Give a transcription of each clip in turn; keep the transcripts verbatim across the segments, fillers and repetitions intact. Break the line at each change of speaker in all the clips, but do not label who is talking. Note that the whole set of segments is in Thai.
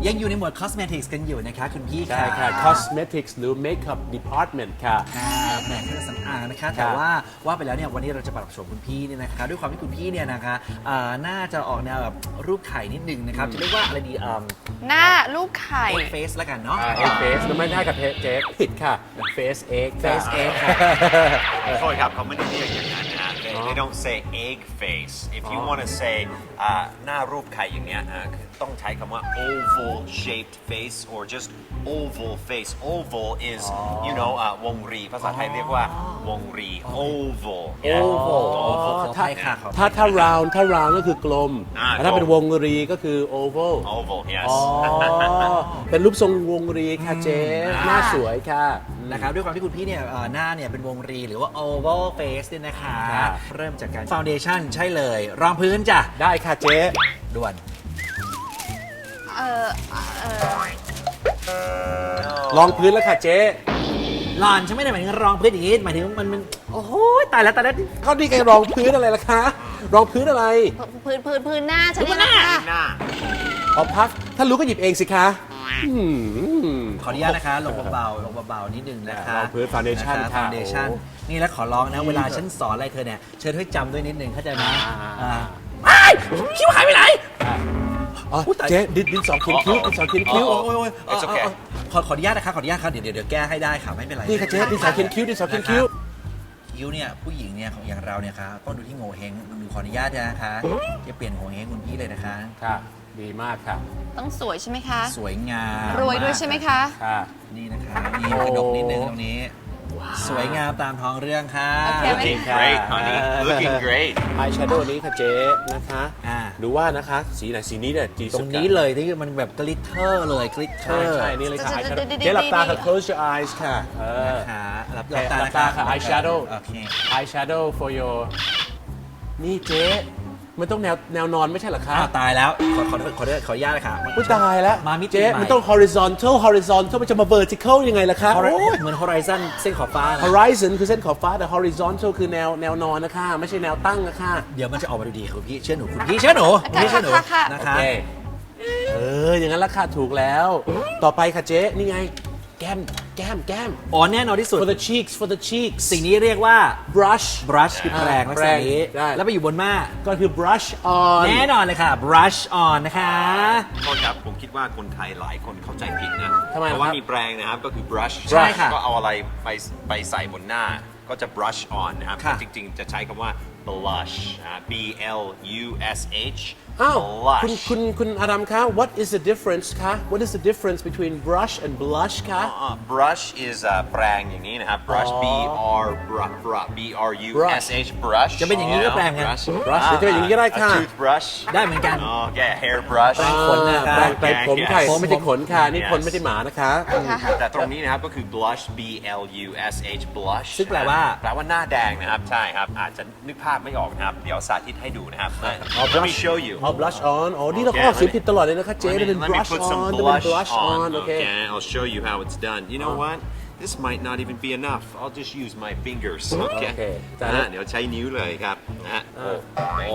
ยังอยู่ในหมวด cosmetics กันอยู่นะคะคุณพี่
ใช่ค่ะ cosmetics หรือ makeup department ค่ะ
แหมเครื่องสำอางนะคะแต่ว่าว่าไปแล้วเนี่ยวันนี้เราจะปรับโฉมคุณพี่เนี่ยนะคะด้วยความที่คุณพี่เนี่ยนะคะอ่าน่าจะออกแนวแบบรูปไข่นิดนึงนะครับจะเรียกว่าอะไรดีอ่า
หน้าลูกไข่
egg face ละกันเนาะ
egg face แล้วไม่ได้กับเจ๊ผิดค่ะ face egg
face egg ค่ะ
โทษครับเขาไม่ได้เรียกอย่างนั้นนะ they, they don't say egg face if you want to say อ่าหน้ารูปไข่อย่างเนี้ยอ่าคือต้องใช้คำว่า oval shaped face or just oval face oval is you know อ่าวงรีภาษาไทยเรียกว่าวงรี oval
oval
ขออภัยค่ะขออภัย
ถ้าถ้า round ถ้า round ก็คือกลม
อ่า
แต่ถ้าเป็นวงรีก็คือ oval
oval yes
อ๋อ เป็นรูปทรงวงรีค่ะเจ๊หน้าสวยค่ะ
นะครับด้วยความที่คุณพี่เนี่ยเอ่อหน้าเนี่ยเป็นวงรีหรือว่า oval face เนี่ยนะคะ
ครับ
เริ่มจากการ foundation ใช่เลยรองพื้นจ้ะ
ได้ค่ะเจ๊
ด่วน
เออเออ
ลองพื้นแล้วค่ะเจ๊
หลอนฉันไม่ได้หมายถึงรองพื้นอย่างนี้หมายถึงมันมันโอ้โหตายแล้วตายแล้ว
เขาดีกันรองพื้นอะไรล่ะคะ รองพื้นอะไร
พื้นพื้นพื้นหน้าฉันนี่แหละค่ะ
หน้า
เอาพัก ถ้ารู้ก็หยิบเองสิคะอืม
ขออนุญาตนะคะลงเบาๆลงเบาๆนิดนึงนะคะ
รองพื้น foundation
นะคะ
ค่ะ
foundation
โอ้
นี่แล้วขอร้องนะ เวลาฉันสอนอะไรเธอเนี่ยเชิญให้จำด้วยนิดนึงเข้าใจไหม
อ่า
อ่าไอ้คิ้วหายไปไหน
อ๋อเจ๊ดินดินสองเขียนคิ้วดินสองเขียนคิ้ว
โอ้ยโอ้ยโอ้ย
It's okay
เออเออขอขออนุญาตนะคะขออนุญาตครับเดี๋ยวเดี๋ยวเดี๋ยวแก้ให้ได้ค่ะไม่เป็นไร
นี่ค่ะเจ๊ดินสองเขียนคิ้วดินสองเขียนคิ้ว
คิ้วเนี่ยผู้หญิงเนี่ยของอย่างเราเนี่ยค่ะต้องดูที่โงเ่เฮงดูขออนุญาตนะคะจะเปลี่ยนโงเ่เฮงคุณพี่เลยนะคะ
ค่ะ ดีมากค่ะ
ต้องสวยใช่ไหมคะ
สวยงาม
รวยด้วยใช่ไหมคะ
ค่ะ
นี่นะคะนี่กระดกนิดนึงตรงนี้ สวยงามตามท้องเรื่องค่ะ
โอเคไหม
looking great honey looking great
อายแชโดว์นี้ค่ะเจ๊นะคะ
อ่า
หรือว่านะคะ สีไหนสีนี้เนี่ยดี
ตร
สุด
ง
ค่ะ
นี้เลยที่มันแบบกลิตเตอร์เลยกลิตเตอ
ใช่
ร์
ใช่นี่เลยค่ะ
จะ
อายแช
จะ
โดว์
จะ
เจ๊หลับตาค่ะ
จะ
close your eyes ค่ะ เออ
นะคะหลับ
หลับ
ตา
ตาค่ะ eye shadow
โอเค
eye shadow for your นี่เจ๊มันต้องแนวแนวนอนไม่ใช่เหรอคะ
อ้าวตายแล้วขอขอขอขอขออนุญาตเลยค่ะ
อุ้ยตายแล้ว
มามิติ
เจ๊
ใหม่
มันต้อง horizontal horizontal มันจะมา vertical ยังไงล่ะคะ
โอ้
โอ้ย
เหมือน horizon เส้นขอบฟ้านะ
horizon คือเส้นขอบฟ้าแต่ horizontal คือแนวแนวนอนนะคะไม่ใช่แนวตั้งนะคะ
เดี๋ยวมันจะออกมาดูดีค่ะคุณพี่เชื่อหนูคุณพี่เชื่อหนูคุณพี่เชื่อหนู
ค่ะค่ะ
นะ
โอ
คะ
เคเอออย่างนั้นละค่ะถูกแล้ว ต่อไปค่ะเจ๊นี่ไง แก้มแก้มแก้ม
อ๋อแน่นอนที่สุด
for the cheeks for the cheeks
สิ่งนี้เรียกว่า
brush
brush คือแปรงลักษณะนี้
แปรงได้
แล้วไปอยู่บนม่า
ก็คือ brush on
แน่นอนเลยค่ะ brush on นะคะ
โทษครับผมคิดว่าคนไทยหลายคนเข้าใจผิดนะ
ทำไม
เพราะว่า
ครับ
มีแปรงนะครับก็คือ brush
ใช่ค่ะ
ก็เอาอะไรไปไปใส่บนหน้าก็จะ brush on นะครับ
ค่ะ
จริงๆ จะใช้คำว่า blush นะ B L U S H
อ้าวคุณ
blush
คุณคุณอาดัมคะ what is the difference คะ what is the difference between brush and blush คะ
อ่า brush is อ่าแปรงอย่างนี้นะครับ brush B R brush B R U S H brush
จะเป็นอย่างนี้ก็แปรงไง
brush
brush หรือจะเป็นอย่างนี้ก็ได้ค่ะ
A toothbrush
ได้เหมือนกัน
อ๋อแก hair brush
แปรงขนนะคะ
แปรงแปรงผมค่ะ
Yes
ผมไม่ใช่ขนค่ะนี่
Yes
คนไม่ใช่หมานะคะ
แต่ตรงนี้นะครับก็คือ blush B L U S H blush
ซึ่งแปลว่า
แปลว่าหน้าแดงนะครับ ใช่ครับ อาจจะนึกภาพไม่ออกนะครับ เดี๋ยวสาธิตให้ดูนะครับ Let me show you
เอา blush on อ๋อนี่เราก็ออกเสียงผิดตลอดเลยนะคะเจ๊
Let
มัน
me,
เป็น
let me
brush
put some
on มันเป็น
blush
blush on
on
โอเค
okay I'll show you how it's done you know what this might not even be enough I'll just use my fingers okay
โอเคจ้ะ
นะเดี๋ยวใช้นิ้วเลยครับนะโอ้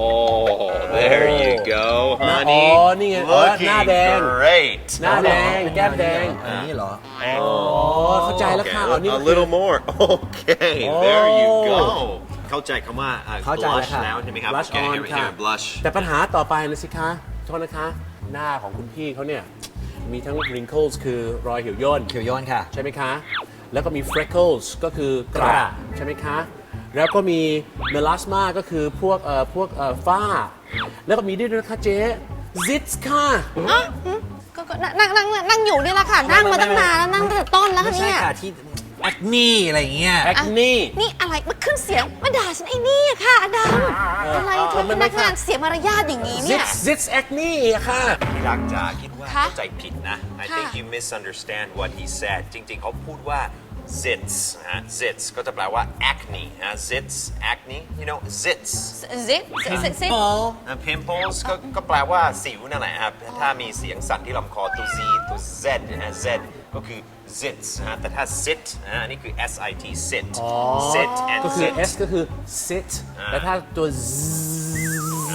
there you go
อ๋อ
honey
นี่ไงอ๋อหน้าแดง
looking great
หน้าแดงแก้มแดง
อันนี้เหรอ
อ๋อเข้าใจแล้วค่ะ
Okay,
อ๋อนี่
a
ก็คือ
little more okay
โอ้
there you go เข้าใจคำว่าอ่า
เข้าใจแล้ว
blush
ค่ะ
แล้วใช่ไหมครับ
blush
Okay,
on
here-
ค่ะ
here, blush
แต่ปัญหาต่อไปนะสิคะโทษนะคะ หน้าของคุณพี่เขาเนี่ย มีทั้ง wrinkles คือรอยเหี่ยวย่น
เขียวโยนค่ะ
ใช่ไหมคะ แล้วก็มี freckles ก็คือกระ
กระ
ใช่ไหมคะ แล้วก็มี melasma ก็คือพวกเอ่อพวกเอ่อฝ้า แล้วก็มีด้วยนะคะเจ๊ zits ค่ะ
อ๋อหืมก็ก็นั่งนั่งนั่งนั่งอยู่นี่แหละค่ะ นั่งมาตั้งนานแล้วนั่งตั้งแต่ต้นแล้ว
ไม่
ค่ะ
ใช่
เนี่ย
ค่ะที่ acne อะไรอย่างเงี้ย
acne
นี่อะไรมาขึ้นเสียงมาด่าฉันไอ้นี่อะค่ะอดัมอะไรเธอเป็นพนักงานเสียมารยาทอย่างนี้เนี่ย
zits zits acne อะค่ะ
ที่รักจ๋าคิดว่า
คะ
เข้าใจผิดนะ I think
ค่ะ
you misunderstand what he said จริงๆ เขาพูดว่า zits นะฮะ zits ก็จะแปลว่า acne นะ zits acne you know zits
ซิซิซิ
นะ pimples ก็ก็แปลว่าสิวนั่นแหละครับ ถ้ามีเสียงสั่นที่ลำคอตัว z ตัว z นะฮะ z ก็คือ zits นะฮะแต่ถ้า sit นะฮะอันนี้คือ s i t sit sit and
ก็คือ
sit
S ก็คือ sit แต่ถ้าตัว Z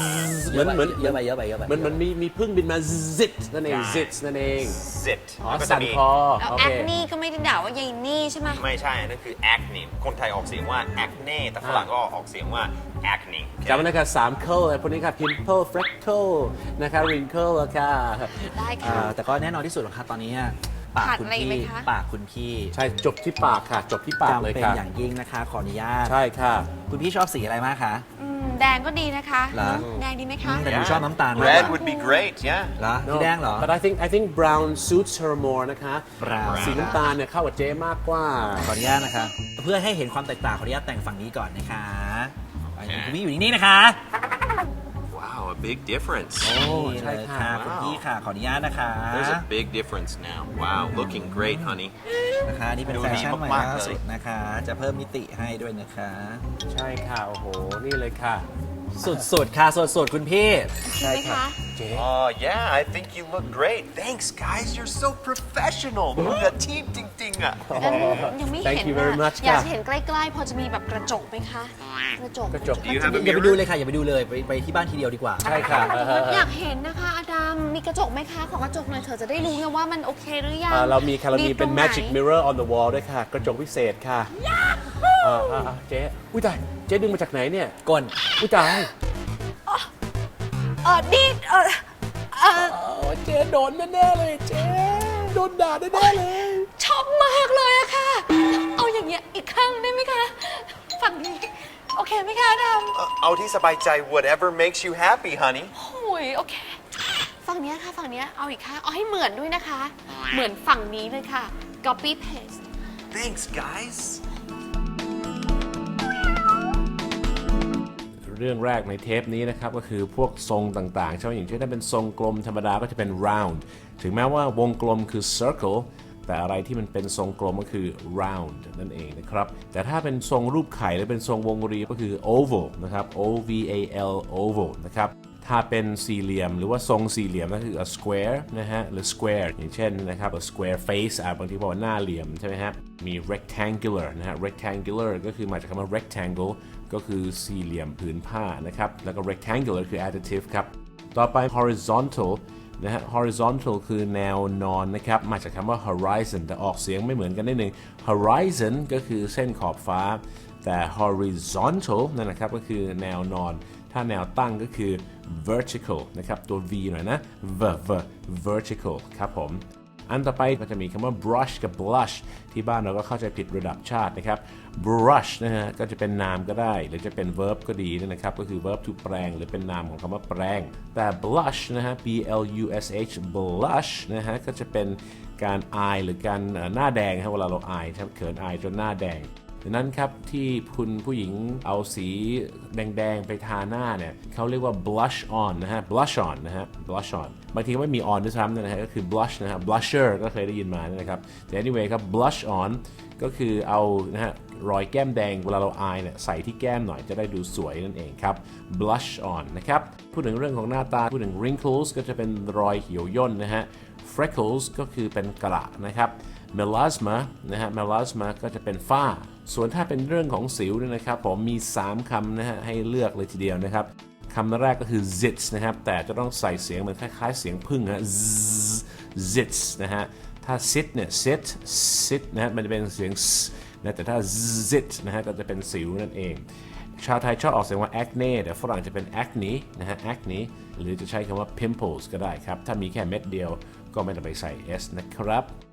เหมือนเหมือน
เยอะไปเยอะไปเยอะไป
มันมันมีมีพึ่งบินมา zit นั่นเอง zit นั่นเอง
zit
อ๋อ
แล้วก็จะ
สั่น
มี
คอ
แล้ว
โอ
แอ
เค
คนี่ก็ไม่ได้ด่าว่ายายนี่ใช่ไหม
ไม่ใช่ นั่นคือ acne คนไทยออกเสียงว่า acne แต่ฝรั่งก็ออกเสียงว่า acne
จำไว้นะครับสาม curl พวกนี้ครับ pimple freckle นะคะ wrinkle แล้วค่ะ
ได้
อ่
ค่ะ
าแต่ก็แน่นอนที่สุดหรอกครับตอนนี้ปาก
ขาด
คุณ
อะไรอีก
네.
พี่
ไหมคะ
ปากคุณพี่
ใช่จบที่ปากค่ะ จบที่ปากเลย
จำเป็น
ค่ะ
อย่างยิ่งนะคะ ขออนุญาต
ใช่ค่ะ
คุณพี่ชอบสีอะไรมากคะ
อืมแดงก็ดีนะคะ
เหรอ
แดงดีไหมคะ
แต่หนูชอบน้ำตาลมากก
red
ว่า
would be great yeah
เหรอพี่แดงเหรอ
but I think I think brown suits her more นะคะ
brown
สีน้ำตาลเนี่ยเข้ากับเจ๊มากกว่า
ขออนุญาตนะคะ เพื่อให้เห็นความแตกต่างขออนุญาตแต่งฝั่งนี้ก่อนนะคะคุณพี่อยู่นิ่งๆนะคะ
wow a big difference
นี่
ใช่
เลย
ค่ะ
ค่ะคุณพี่ค่ะขออนุญาตนะคะ
there's a big difference now wow looking great honey
นะคะนี่เป็น
ดู
แฟ
ดี
ชั่นใหม่
มากๆ
ล่า
เลย
สุดนะคะ จะเพิ่มมิติให้ด้วยนะคะ
ใช่ค่ะ โอ้โห นี่เลยค่ะ
สุดๆค่ะสุดๆคุณพี่
ใช่ไหมคะ
เจ๊
oh yeah I think you look great thanks guys you're so professional มืออาชีพจริงๆอ่ะ
ยังไม่
Thank
เห็น
you very
นะ
much
อยาก
ค่ะ
จะเห็นใกล้ๆ พอจะมีแบบกระจกไหมคะ กระจก
กระจก
Do you have a
อย่าไป
mirror
ดูเลยค่ะอย่าไปดูเลยไปไปที่บ้านทีเดียวดีกว่า
ใช่ค่ะเออเออเออ
อยากเห็นนะคะอาดัมมีกระจกไหมคะ ขอกระจกหน่อยเถอะจะได้รู้ไงว่ามันโอเคหรือยัง
อ่าเรามีค่ะเรามีเป็น
ตรงไห
magic mirror on the wall ด้วยค่ะ กระจกพิเศษค่ะอ่าอ่าอ่าเจ๊ อุ้ยตาย เจ๊ดึงมาจากไหนเนี่ย
ก้น
อุ้ยตาย
เออดีเออเออ
โอ้เจ๊โดนแน่ๆเลยเจ๊โดนด่าแน่ๆเลย
ชอบมากเลยอะค่ะ เอาอย่างเงี้ยอีกข้างได้ไหมคะ ฝั่งนี้ โอเคไหมคะอาดัม
เอาที่สบายใจ whatever makes you happy honey
โอ้ยโอเค ฝั่งเนี้ยค่ะ ฝั่งเนี้ยเอาอีกข้างเอาให้เหมือนด้วยนะคะ เหมือนฝั่งนี้เลยค่ะ copy paste
thanks guys
เรื่องแรกในเทปนี้นะครับก็คือพวกทรงต่างๆใช่ไหมอย่างเช่นถ้าเป็นทรงกลมธรรมดาก็จะเป็น round ถึงแม้ว่าวงกลมคือ circle แต่อะไรที่มันเป็นทรงกลมก็คือ round นั่นเองนะครับแต่ถ้าเป็นทรงรูปไข่หรือเป็นทรงวงรีก็คือ oval นะครับ O V A L oval นะครับถ้าเป็นสี่เหลี่ยมหรือว่าทรงสี่เหลี่ยมก็คือ a square นะฮะหรือ square อย่างเช่นนะครับ a square face อ่ะบางทีบอกว่าหน้าเหลี่ยมใช่ไหมฮะมี rectangular นะฮะ rectangular ก็คือมาจากคำว่า rectangle ก็คือสี่เหลี่ยมผืนผ้านะครับแล้วก็ rectangular คือ adjective ครับต่อไป horizontal นะฮะ horizontal คือแนวนอนนะครับมาจากคำว่า horizon แต่ออกเสียงไม่เหมือนกันนิดนึง horizon ก็คือเส้นขอบฟ้าแต่ horizontal นั่นนะครับก็คือแนวนอนถ้าแนวตั้งก็คือ vertical นะครับตัว V หน่อยนะ v v vertical ครับผมอันต่อไปก็จะมีคำว่า brush กับ blush ที่บ้านเราก็เข้าใจผิดระดับชาตินะครับ brush นะฮะก็จะเป็นนามก็ได้หรือจะเป็น verb ก็ดีนะครับก็คือ verb to แปลงหรือเป็นนามของคำว่าแปลงแต่ blush นะฮะ b l u s h blush นะฮะก็จะเป็นการอายหรือการหน้าแดงครับเวลาเราอายครับเขินอายจนหน้าแดงดังนั้นครับที่คุณผู้หญิงเอาสีแดงๆไปทาหน้าเนี่ยเขาเรียกว่า blush on นะฮะ blush on นะฮะ blush on บางทีไม่มี on ด้วยซ้ำนะฮะก็คือ blush นะฮะ blusher ก็เคยได้ยินมานะครับแต่ anyway ครับ blush on ก็คือเอานะฮะรอยแก้มแดงเวลาเราอายเนี่ยใส่ที่แก้มหน่อยจะได้ดูสวยนั่นเองครับ blush on นะครับพูดถึงเรื่องของหน้าตาพูดถึง wrinkles ก็จะเป็นรอยเหี่ยวย่นนะฮะ freckles ก็คือเป็นกระนะครับ melasma นะฮะ melasma ก็จะเป็นฝ้าส่วนถ้าเป็นเรื่องของสิวเนี่ยนะครับผมมีสามคำนะฮะให้เลือกเลยทีเดียวนะครับคำแรกก็คือ zits นะครับแต่จะต้องใส่เสียงเหมือนคล้ายๆเสียงพึ่งฮะ zits นะฮะถ้า sit เนี่ย sit sit นะฮะมันจะเป็นเสียง s นะแต่ถ้า zit นะฮะก็จะเป็นสิวนั่นเองชาวไทยชอบออกเสียงว่า acne แต่ฝรั่งจะเป็น acne นะฮะ acne หรือจะใช้คำว่า pimples ก็ได้ครับถ้ามีแค่เม็ดเดียวก็ไม่ต้องไปใส่ s นะครับ